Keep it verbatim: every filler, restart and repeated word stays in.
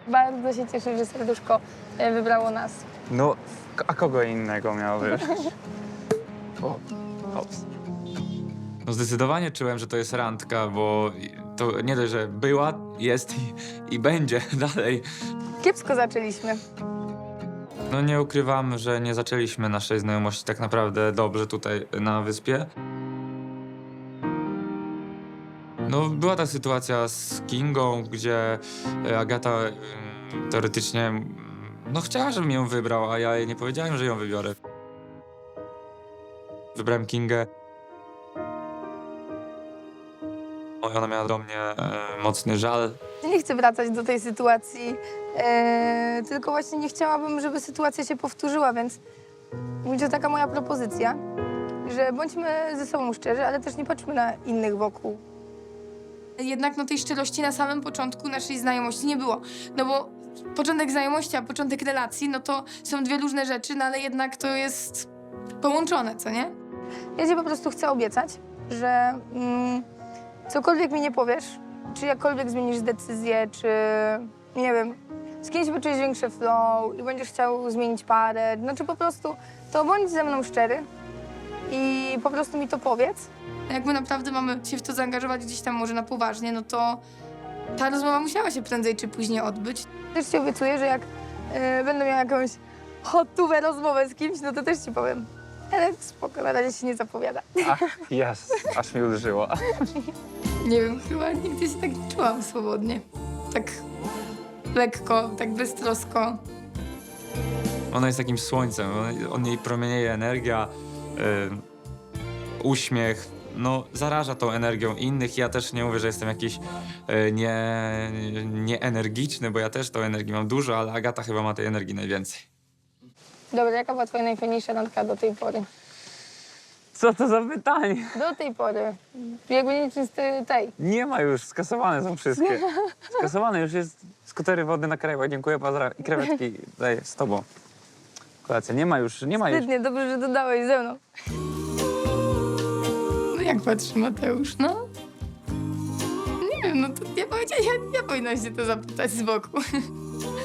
Bardzo się cieszę, że serduszko e, wybrało nas. No, a kogo innego miało wybrać? O, hops. No zdecydowanie czułem, że to jest randka, bo to nie dość, że była, jest i, i będzie dalej. Kiepsko zaczęliśmy. No nie ukrywam, że nie zaczęliśmy naszej znajomości tak naprawdę dobrze tutaj na wyspie. No była ta sytuacja z Kingą, gdzie e, Agata e, teoretycznie mm, no chciała, żebym ją wybrał, a ja jej nie powiedziałem, że ją wybiorę. Wybrałem Kingę. Ona miała do mnie e, mocny żal. Nie chcę wracać do tej sytuacji, e, tylko właśnie nie chciałabym, żeby sytuacja się powtórzyła, więc będzie to taka moja propozycja, że bądźmy ze sobą szczerzy, ale też nie patrzmy na innych wokół. Jednak no, tej szczerości na samym początku naszej znajomości nie było, no bo początek znajomości, a początek relacji, no to są dwie różne rzeczy, no ale jednak to jest połączone, co nie? Ja ci po prostu chcę obiecać, że mm, cokolwiek mi nie powiesz, czy jakkolwiek zmienisz decyzję, czy nie wiem, z kimś poczułeś większy flow i będziesz chciał zmienić parę, znaczy po prostu to bądź ze mną szczery i po prostu mi to powiedz. Jak my naprawdę mamy się w to zaangażować gdzieś tam może na poważnie, no to ta rozmowa musiała się prędzej czy później odbyć. Też ci obiecuję, że jak y, będę miała jakąś hotówę rozmowę z kimś, no to też ci powiem. Ale spoko, na razie się nie zapowiada. Ach, jas, aż mi uderzyło. Nie wiem, chyba nigdy się tak nie czułam swobodnie. Tak lekko, tak beztrosko. Ona jest takim słońcem, on, on jej promienieje energia, y, uśmiech, no zaraża tą energią innych. Ja też nie mówię, że jestem jakiś y, nie, nieenergiczny, bo ja też tą energii mam dużo, ale Agata chyba ma tej energii najwięcej. Dobra, jaka była twoja najfajniejsza randka do tej pory? Co to za pytanie? Do tej pory. Jakby nic z tej- tej. Nie ma już, skasowane są wszystkie. Skasowane już jest skutery wody na krajach, dziękuję, pozdrawiam. I krewetki daję z tobą. Kolacja, nie ma już, nie ma już. Wstydnie, dobrze, że dodałeś ze mną. No jak patrzy Mateusz, no? Nie wiem, no to ja powiedziałam, ja, ja powinnaś się to zapytać z boku.